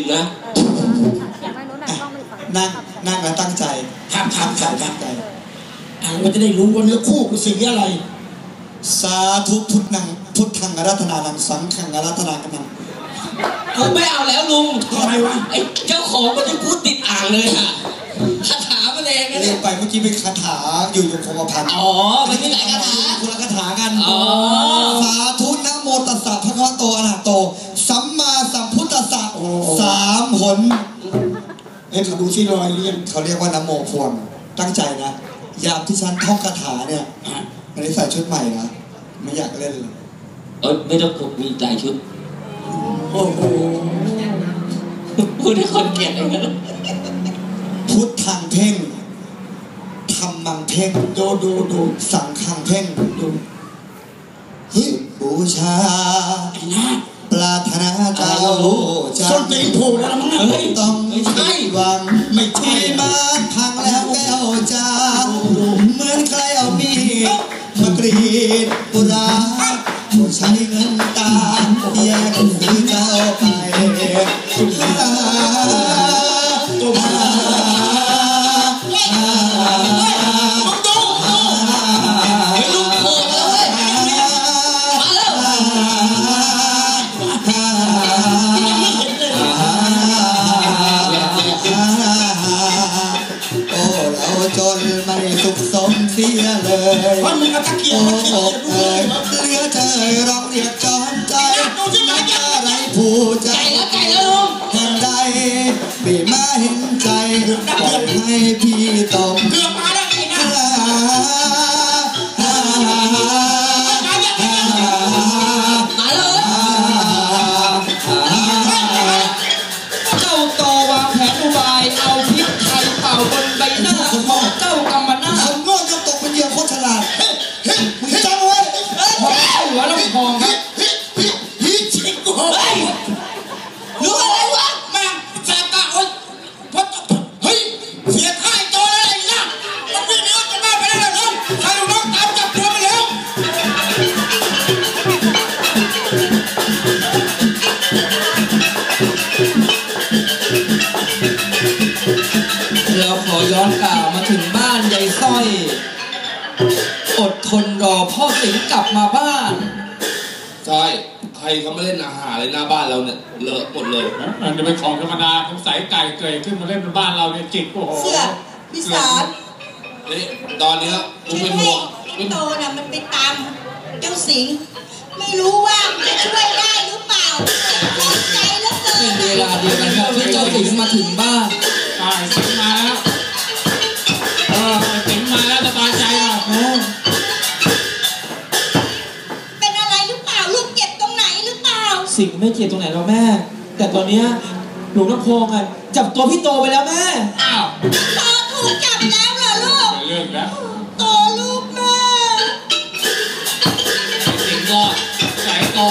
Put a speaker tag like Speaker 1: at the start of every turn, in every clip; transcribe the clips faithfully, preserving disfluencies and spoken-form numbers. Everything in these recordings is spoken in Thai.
Speaker 1: นะ
Speaker 2: นั่งนั่งแล้วตั้งใจ
Speaker 1: ครับครับครับตั้งใจอ่ามันจะได้รู้ว่าเนื้อคู่คือสีอะไร
Speaker 2: สาธุพุทธังพุทธังอาราธนานังสังฆังอาราธนากันัง
Speaker 1: ผมไม่เอาแล้วลุงทำไมวะไอ้เจ้าของมันจะพูดติดอ่างเลยอะคาถามาแรงนะ
Speaker 2: เรียกไปเมื่อกี้เป็นคาถาอยู่ยงคงกระพัน
Speaker 1: อ๋อมันมีหลายคาถา
Speaker 2: คนละคาถากันสาธุนะโมตัสสะพระคะวะโตอะระหะโตสัมมาสัมพุทธัสสะสามหนเฮ้ยเขาดูที่รอยเรียงเขาเรียกว่านะโมพวงตั้งใจนะยามที่ฉันท่องคาถาเนี่ยอันนี้ใส่ชุดใหม่นะไม่อยากเล่นเลย
Speaker 1: เออไม่ต้องมีใจชุดโอ้โหพูดให้คนเกลียดอย่างนั้น
Speaker 2: พุทธังเพ่งธรรมังเพ่งโดดูดูสังฆังเพ่งดูเฮ้ยบูชาปรารถนาเจ้าจะ
Speaker 1: ส้นตีนโผล่แล้วมั้ง
Speaker 2: ไม่ต้องไม่ใช่หวังไม่ใช่มาพังแล้วแก้วเจ้าเหมือนใครเอามีดมากรีดปุราใช้เงินตาแยกซื้อเจ้าไปตัวมาจนไม่สุขสมเสียเลย
Speaker 1: ว่ามึงกระตะเกียบมันเกียบเอ้ย
Speaker 2: เหลือเธอร้องเรียกจอมใจนักอะไรผู้ใจ
Speaker 1: แล้วใจแล้วลุง
Speaker 2: แห่งใดปีมาเห็นใจปล่อยให้พี่ต้อง
Speaker 1: เกือบมาแล้วไอ้นะมาเลยเจ้าโตวางแผนอุบายเอาพิษไทยเป่าบนใบหน้าของเจ้ากำมะนา
Speaker 2: คนโง่จะตกเป็นเหยื่อโคตรฉลาดมึงจำไว้
Speaker 1: พอหัวแล้วพองครับฮิชิโก้รู้อะไรวะมาแสบตาโอ๊ยพอเฮ้ยเสียท่าไอ้โตแล้วไอ้นะมันวิ่งหนีออกจากบ้านไปแล้วนะน้องถ้าน้องตามจับตัวไปแล้วเราขอย้อนกล่าวมาถึงบ้านยายสร้อยอดทนรอพ่อสิงห์กลับมาบ้าน
Speaker 3: ใช่ใครเขามาเล่นอาหารเลยหน้าบ้านเราเนี่ยเลอะหมดเลย
Speaker 4: มันจะเป็นของธรรมดาผมใส่ไก่เกยขึ้นมาเล่นบนบ้านเราเนี่ยจิกโอ้โห
Speaker 5: เสือพี่สาร
Speaker 3: นี่ตอนนี้กูเป็นห่วง
Speaker 5: ไอ้โตน่ะมันไปตามเจ้าสิงห์ไม่รู้ว่าจะช่วยได้หรือเปล่าเข้าใจแล้วเกิน
Speaker 1: เป็นเวลาเดียวกันครับที่เจ้าสิงห์มาถึงบ้าน
Speaker 4: ตายสิงห์มาแล้วเออสิงห์มาแล้วสบายใจหน่อย
Speaker 5: เป็นอะไรหรือเปล่าลูกเจ็บตรงไหนหรือเปล่า
Speaker 1: สิงห์ไม่เจ็บตรงไหนหรอกแม่แต่ตอนนี้หลวงน้ำโพงอ่ะจับตัวพี่โตไปแล้วแม่
Speaker 4: อ้าว
Speaker 5: โตถูกจับแล้วเหรอลูก
Speaker 4: เรื่องแล้ว
Speaker 5: โตลูกแม่
Speaker 4: สิงห์ก็สายโต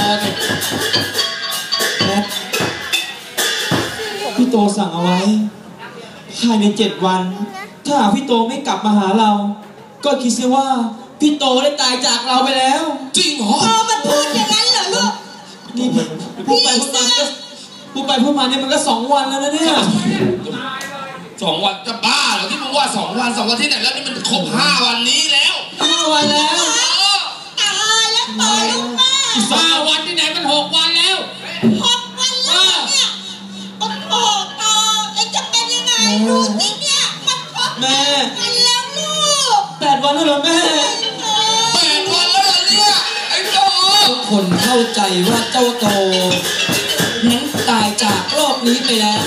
Speaker 1: แม่พี่โตสั่งเอาไว้ภายในเจ็ดวันถ้าหากพี่โตไม่กลับมาหาเราก็คิดเสียว่าพี่โตได้ตายจากเราไปแล้ว
Speaker 3: จริงเหรอ
Speaker 5: อ๋อมันพูดอย่างนั้นเหรอลูก
Speaker 1: นี่พูดไปพูดมาก็พูดไปพูดมาเนี่ยมันก็สองวันแล้วนะเนี่ย
Speaker 3: สองวันจะบ้าเหรอที่มึงว่าสองวันสองวันที่ไหนแล้วนี่มันครบห้าวันนี้แล้ว
Speaker 1: ห้าวันแล้ว
Speaker 5: ตายแล้วโตลูกแม่
Speaker 4: ห้าวันที่ไหนมันหกวันแล้ว
Speaker 5: หกวันแล้วเนี่ยโอ้โหโตไอ้จะเป็นยังไงดูสิเนี่ยมันครบแม่วันแล้วลูก
Speaker 1: แปดวันแล้วเหรอแม่
Speaker 3: แปดวันแล้วเหรอเนี่ยไอ้โต
Speaker 1: ทุกคนเข้าใจว่าเจ้าโตนั้นตายจากโลกนี้ไปแล้ว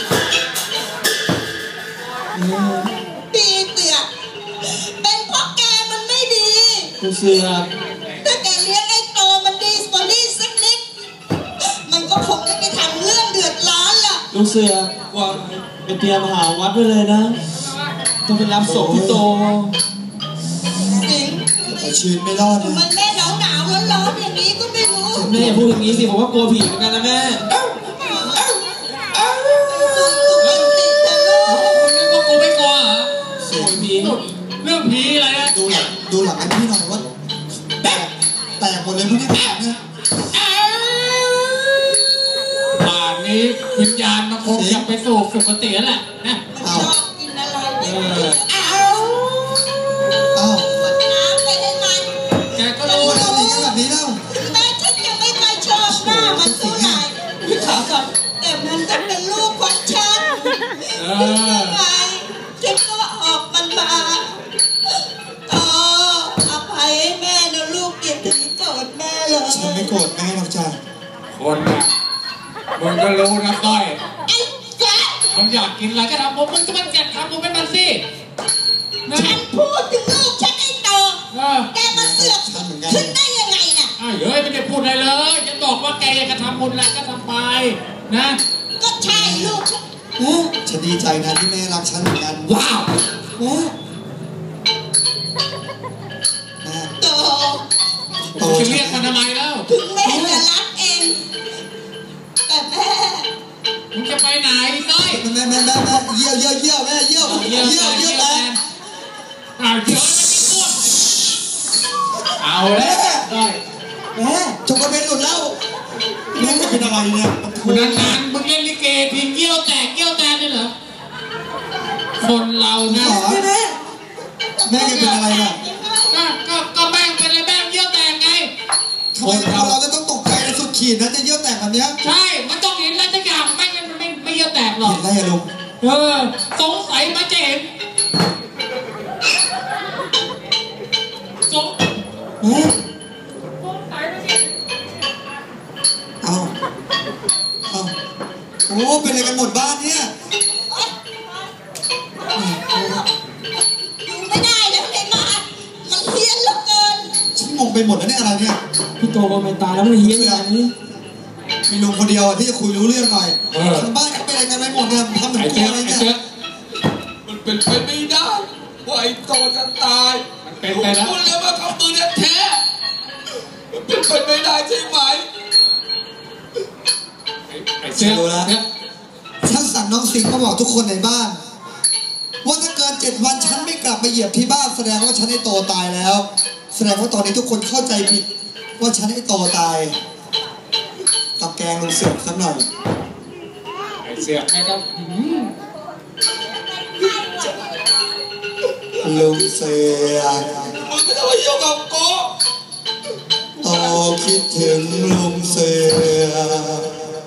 Speaker 5: ดีเสือเป็นเพราะแกมันไม่ดี
Speaker 1: เสือ
Speaker 5: ถ้าแกเลี้ยงไอ้โตมันดีกว่านี้สักนิดมันก็คงไม่ไปทำเรื่องเดือดร้อนล่ะ
Speaker 1: ลูกเสือว่าไปเตรียมหาวัดไว้เลยนะต้องไปรับศพพี่โต
Speaker 2: ชีวิตไม่รอดนะ
Speaker 5: มันแม่หนาวหนาวร้อนร้อนอย่างนี้ก็ไม่รู้
Speaker 1: แม่อย่าพูดอย่างนี้สิผมว่ากลัวผีเหมือนกันนะแม่
Speaker 4: ว่ากูไม่กลัวเหรอ
Speaker 1: เสียงผี
Speaker 4: เรื่องผีอะไรนะ
Speaker 2: ดูหลังดูหลังไอ้พี่หน่อยว่าแตกแตกหมดเลยพวกนี้แตกเนี่ย
Speaker 4: ป่านนี้วิญญาณมันคงอยากไปสู่สุคติแล้วแหละนะ
Speaker 5: ชอบกินอะไรเนี่ยเอา
Speaker 2: อ้าว
Speaker 5: ขวดน้ำไปให้มัน
Speaker 4: แกก็
Speaker 2: ทำ
Speaker 4: รู้
Speaker 2: ไมทำอย่างนี้แบบนี้เล่า
Speaker 5: ถึงแม้ฉันยังไม่ค่อยชอบหน้ามันเท่าไหร่แต่มันก็เป็นลูกของฉัน
Speaker 4: เอ
Speaker 5: ทำ
Speaker 4: อ
Speaker 5: ไมฉันก็ออกมันมาต่ออภัยให้แม่นะลูกอย่าถึงโกรธแม่เลย
Speaker 2: ฉันไม่โกรธแม่หรอกจ้ะ
Speaker 4: คนน่ะมึงก็รู้นะก้อย
Speaker 5: ไอ้แจ๊ค
Speaker 4: มันอยากกินอะไรก็ทำผมมึงก็มันแกะทำมึงเป็นมันสินะ
Speaker 5: ฉันพูดถึงลูกฉันไอ้โต
Speaker 4: เออ
Speaker 5: แกมาเสือกขึ้นได้ยังไงน่ะ
Speaker 4: อ้าวเฮ้ยไม่ได้พูดอะไรเลยฉันบอกว่าแกอยากจะทำบุญอะไรก็ทำไปนะ
Speaker 5: ก็ใช่ลูกฉัน
Speaker 2: แม่ฉันดีใจนะที่แม่รักฉันเหมือนกัน
Speaker 4: ว้าว
Speaker 2: แม่แม่
Speaker 5: โต
Speaker 2: โต
Speaker 4: จะ
Speaker 2: ฉั
Speaker 4: เรียกมัน
Speaker 2: น
Speaker 4: ทำไมแล้ว
Speaker 5: ถึงแม่จะรักเอง แต่แม่
Speaker 4: มึงจะไปไหนก้อย
Speaker 2: แม่แม่แม่แม่เยี่ยวเยี่ยวเยี่ยวแม่เยี่ยว
Speaker 4: เยี่
Speaker 2: เยี่
Speaker 4: ย
Speaker 2: ยว ว
Speaker 4: เยี่
Speaker 2: เยี่
Speaker 4: ย
Speaker 2: ยว ว
Speaker 4: แท
Speaker 2: แม่
Speaker 4: นอ้าวเดี๋ยวเอาแล้วก้อย
Speaker 2: แม่จงกระเบนหลุดแล้วแม่เป็นอะไรเนี่ย
Speaker 4: นานๆมึงเล่นลิเกทีเกี้ยวแตกเกี้ยวแตกนี่เหรอคนเรานะ
Speaker 2: แม่แม่แม่แกเป็นอะไรเนี่ย
Speaker 4: ก็ก็ก็แม่งเป็นอะไรแม่งเกี้ยวแตกไง
Speaker 2: ทำไมเราเราจะต้องตกใจในสุดขีดนะจะเยี่ยวแตกแบบเนี้ย
Speaker 4: ใช่มันต้องเห็นอะไรสักอย่างไม่งั้นมันไม่ไม่เกี้ยวแตกหรอก
Speaker 2: เห็นได้ยังลุง
Speaker 4: เออสงสัยมันจะเห็นสง
Speaker 2: แม่
Speaker 4: สงสัยมันจะเห็น
Speaker 2: เอาเอาโอ้เป็นอะไรกันหมดบ้านเนี่ย
Speaker 5: อยู่ไม่ได้แล้วไอ้มามันเพี้ยนเหลือเกิน
Speaker 2: ฉันงงไปหมดแล้วเนี่ยอะไรเนี่ย
Speaker 6: พี่โตก็ไม่ตายแล้วมันเฮี้ยนอย่างนี้
Speaker 2: มีลุงคนเดียวอะที่จะคุยรู้เรื่องหน่อยทางบ้านเขาเป็นอะไรกันไปหมดเนี่ยทำเหมือน
Speaker 4: ไอ้
Speaker 2: กลั
Speaker 4: เจ๊
Speaker 2: วอะไร
Speaker 4: ไอ้
Speaker 2: เนี่ย
Speaker 4: เจ๊
Speaker 3: มันเป็นไปไม่ได้ว่าไอ้โตจะตาย
Speaker 4: มันเป็นไปแล้ว
Speaker 3: พูดแล้วว่าเขาปืนแท้มันเป็นไปไม่ได้ใช่ไหม
Speaker 4: ไอ้เจ๊เนี่ย
Speaker 2: ฉันสั่งน้องสิงห์มาบอกทุกคนในบ้าน ว่าถ้าเกินเจ็ดวันฉันไม่กลับมาเหยียบที่บ้านแสดงว่าฉันไอ้โตตายแล้ว แสดงว่าตอนนี้ทุกคนเข้าใจผิด ว่าฉันไอ้โตตายตับแกงลุงเสือกสักหน่อย
Speaker 4: ไอ้เสือกแม่ก็หืม
Speaker 2: ลุงเสือก
Speaker 3: มึงไม่ต้องมายุ่งกับกู
Speaker 2: โตคิดถึงลุงเสือก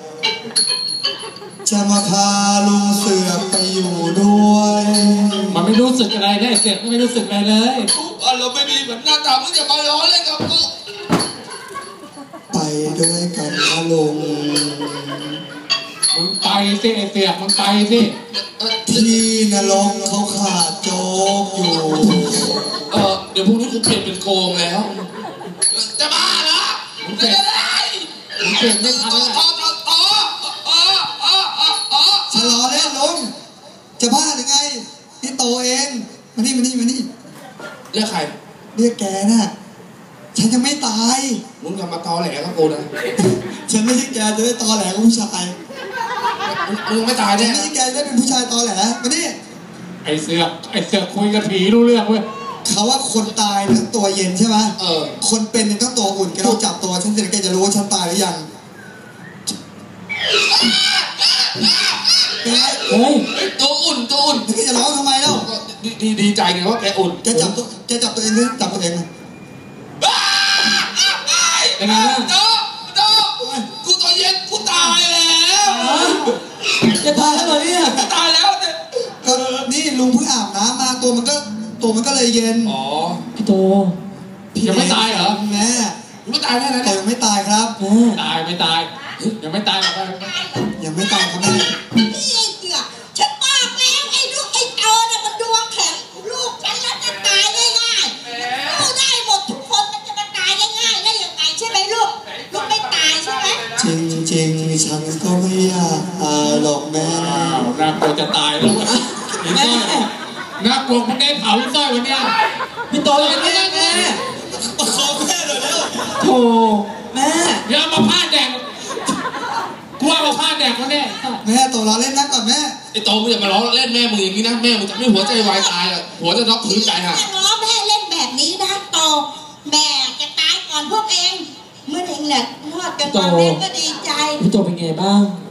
Speaker 2: จะมาพาลุงเสือกไปอยู่ด้วย
Speaker 4: มันไม่รู้สึกอะไรนะไอ้เสือกไม่รู้สึกอะไรเลย
Speaker 3: กูอารมณ์ไม่ดีเหมือนหน้าตามึงอย่ามาล้อเล่นกับกู
Speaker 2: ไปด้วยกันนะลุง
Speaker 4: มึงไปสิไอ้เสือกมึงไปสิ
Speaker 2: ที่นรกเขาขาดโจ๊กอยู่
Speaker 3: เออเดี๋ยวพรุ่งนี้กูเปลี่ยนเป็นโกงแล้ว จะบ้าเหรอจะได้
Speaker 4: มึงเปลี่ยนไม่ทัน
Speaker 3: ต่อ
Speaker 4: แล้ว
Speaker 3: ต่อต่อต่ออ๋ออ๋ออ๋ออ๋อ
Speaker 2: ชะลอเล่นลุงจะบ้าหรือไงนี่โตเองมานี่มานี่มานี่
Speaker 3: เรียกใคร
Speaker 2: เรียกแกน่ะฉันยังไม่ตาย
Speaker 3: มึงอย่ามาตอแหลกับกูนะ
Speaker 2: ฉันไม่ใช่แกจะได้ตอแหลกับผู้ชาย
Speaker 3: มึงไม่ตาย
Speaker 2: ฉั
Speaker 3: แน่
Speaker 2: นไม่ใช่แกจะได้เป็นผู้ชายตอแหลมานี่
Speaker 4: ไอ้เสือกไอ้เสือกคุยกับผีรู้เรื่องเว้ย
Speaker 2: เขาว่าคนตายเนี่ยต้องตัวเย็นใช่ไหม
Speaker 3: เออ
Speaker 2: คนเป็นเนี่ยต้องตัวอุ่นแกต้องจับตัวฉันเสร็จแกจะรู้ว่าฉันตายหรือยังเป็นไง
Speaker 6: เฮ้ย
Speaker 3: ตัวอุ่นตัวอุ่น
Speaker 2: แกจะร้องทำไมเล่า
Speaker 3: ดีดีดีใจไงว่าแกอุ่น
Speaker 2: แกจับตัวแกจับตัวเองเลยจับตัวเองเลย
Speaker 4: เป็นไงบ้าง
Speaker 3: โตโตกูตัวเย็นกูตายแล้ว
Speaker 6: จะตายแล้วเหรอเนี่ย
Speaker 3: ตายแล้วเนี่ย
Speaker 2: ก็นี่ลุงเพิ่งอาบน้ำมาตัวมันก็ตัวมันก็เลยเย็น
Speaker 3: อ๋อ
Speaker 6: พี่โต
Speaker 4: ยังไม่ตายเหรอ
Speaker 2: แม่
Speaker 3: มึงไม่ตายแน่นะ
Speaker 2: แต่
Speaker 3: เนี่ย
Speaker 2: ยังไม่ตายครับ
Speaker 6: แม่
Speaker 4: ตายไม่ตายยังไม่ตายหรอก
Speaker 2: ยังไม่ตายครับแม่
Speaker 5: นี่ไอ้เสือกฉันบอกแล้วไอ้ลูกไอ้โตน่ะมันดวงแข็งลูกฉันแล้วจะตายง่ายๆลูกได้หมดทุกคนมันจะมาตายง่ายๆได้ยังไงใช่ไหมลูกลูกไม่ตายใช่ไหม
Speaker 2: จริงจริงๆฉันก็ไม่อยากตายหรอกแม่
Speaker 4: อ้าวน่ากลัวจะตายแล้วไอ้สร้อยน่ากลัวมึงได้เผาไอ้สร้อยวันเนี้ย
Speaker 6: พี่โตอย่างนี้แม่
Speaker 2: ประคองแม่หน่อยเร็ว
Speaker 6: โถแม่
Speaker 4: เดี๋ยวเอามาผ้าแดงกูเอามาผ้าแดงวันเนี้ย
Speaker 2: แม่ตัวเราเล่นนักก่อนแม่
Speaker 3: ไอ้โตมึงอย่ามาล้อเล่นแม่มึงอย่างนี้นะแม่มึงจะไม่หัวใจวายตายอ่ะหัวจะน็อกพื้นตายห่ะ
Speaker 5: ถ้าง้อแม่เล่นแบบนี้นะโตแม่จะตายก่อนพวกเองเมื่อเองแหละรอดกันมาแม่ก็ดีใจ
Speaker 6: พี่โตเป็นไงบ้าง
Speaker 5: ก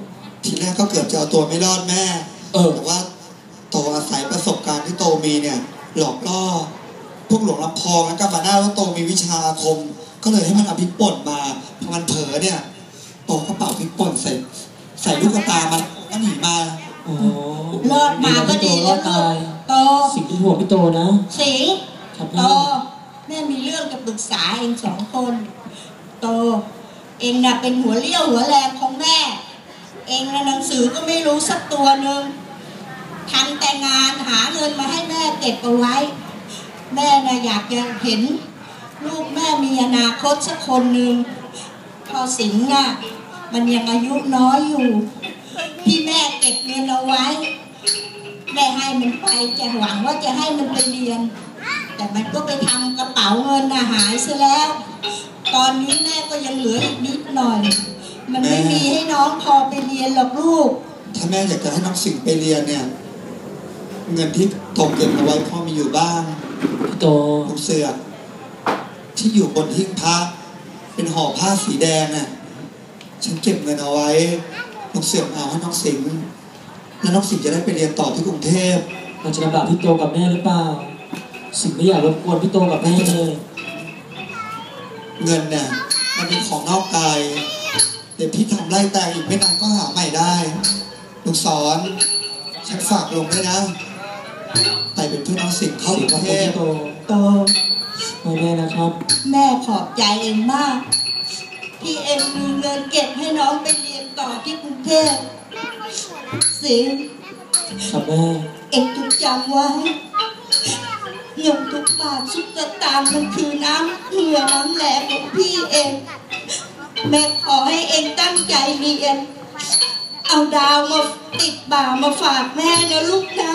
Speaker 2: ทีแรกก็เกือบจะเอาตัวไม่รอดแม่
Speaker 6: เออ
Speaker 2: แต่ว่าโตอาศัยประสบการณ์ที่โตมีเนี่ย หลอกล่อพวกหลวงลำพองและกับบาน่าแล้วโตมีวิชาอาคม ก็เลยให้มันเอาพริกป่นมาพอมันเผลอเนี่ยโตก็เป่าพริกป่นใส่ใส่ลูกตามันก็หนีมา
Speaker 6: โอ้
Speaker 5: รอดมาก็ดี
Speaker 6: ร
Speaker 5: แล้
Speaker 6: อ
Speaker 5: ว
Speaker 6: ด
Speaker 5: ลู
Speaker 6: ตาย
Speaker 5: กโต
Speaker 6: สิ่งที่ห่วงพี่โตนะ
Speaker 5: สิงห์
Speaker 6: ครับ
Speaker 5: โต
Speaker 6: แม่
Speaker 5: แม่มีเรื่องจะปรึกษาเองสองคน โต เองน่ะเป็นหัวเลี้ยวหัวแรงของแม่ เองน่ะหนังสือก็ไม่รู้สักตัวหนึ่งทำแต่งานหาเงินมาให้แม่เก็บเอาไว้ แม่น่ะอยากจะเห็น ลูกแม่มีอนาคตสักคนหนึ่งพอสิงห์น่ะมันยังอายุน้อยอยู่ ที่แม่เก็บเงินเอาไว้ แม่ให้มันไปจะหวังว่าจะให้มันไปเรียน แต่มันก็ไปทำกระเป๋าเงินน่ะหายซะแล้ว ตอนนี้แม่ก็ยังเหลืออีกนิดหน่อย มันไม่มีให้น้องพอไปเรียนหรอกลูก
Speaker 2: ถ้าแม่อยากจะให้น้องสิงห์ไปเรียนเนี่ย เงินที่โตเก็บเอาไว้พ่อมีอยู่บ้าง
Speaker 6: พี่โต
Speaker 2: ลูกเสือกที่อยู่บนหิ้งพระเป็นห่อผ้าสีแดงน่ะฉันเก็บเงินเอาไว้น้องเสือกเอาให้น้องสิงห์แล้วน้องสิงห์จะได้ไปเรียนต่อที่กรุงเทพ
Speaker 6: เราจะลำบากพี่โตกับแม่หรือเปล่า สิ่งไม่อยากรบกวนพี่โตกับแม่เลย
Speaker 2: เงินเนี่ยมันเป็นของนอกกายเดี๋ยวพี่ทำไร่แตงอีกไม่นานก็หาใหม่ได้ลูกสอนฉันฝากลงด้วยนะไปเป็นเพื่อนน้องสิงห์เข้า
Speaker 6: สิ่
Speaker 2: ก
Speaker 6: ง
Speaker 2: รุ
Speaker 6: ของ
Speaker 2: งเทพ
Speaker 6: พี่โต
Speaker 5: โต
Speaker 6: ไม่แม่นะครับ
Speaker 5: แม่ขอบใจเองมาก ที่เองมีเงินเก็บให้น้องไปเรียนต่อที่กรุงเทพสิงห์
Speaker 6: ครับแม่
Speaker 5: เองจงจำไว้เงินทุกบาททุกสตางค์มันคือน้ำเหงื่อน้ำแรงของพี่เอง แม่ขอให้เองตั้งใจเรียน เอาดาวมาติดบ่ามาฝากแม่นะลูกนะ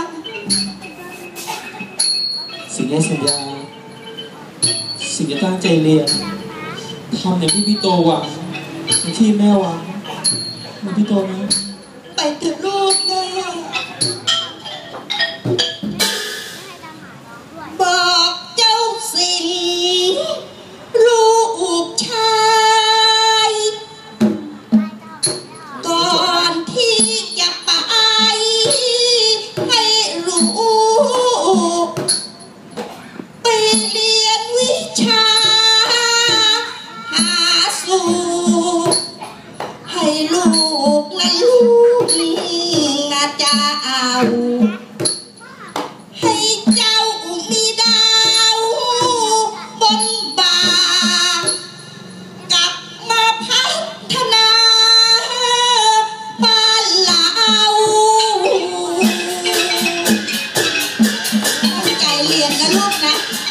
Speaker 6: สิ่งแรกสัญญา สิ่งจะตั้งใจเรียนทำอย่างที่พี่โตหวังอย่างที่แม่หวังนะพี่โตนะ
Speaker 5: ไปเถอะลูกนะบอกเจ้าสิ่งลูกชายก่อนที่จะไปให้รู้ไปเรียนวิชาหาสู่ให้ลูกนะลูกนะจะเอาให้เจ้ามีดาวบนบ่ากลับมาพัฒนาบ้านเราตั้งใจเรียนนะลูกนะ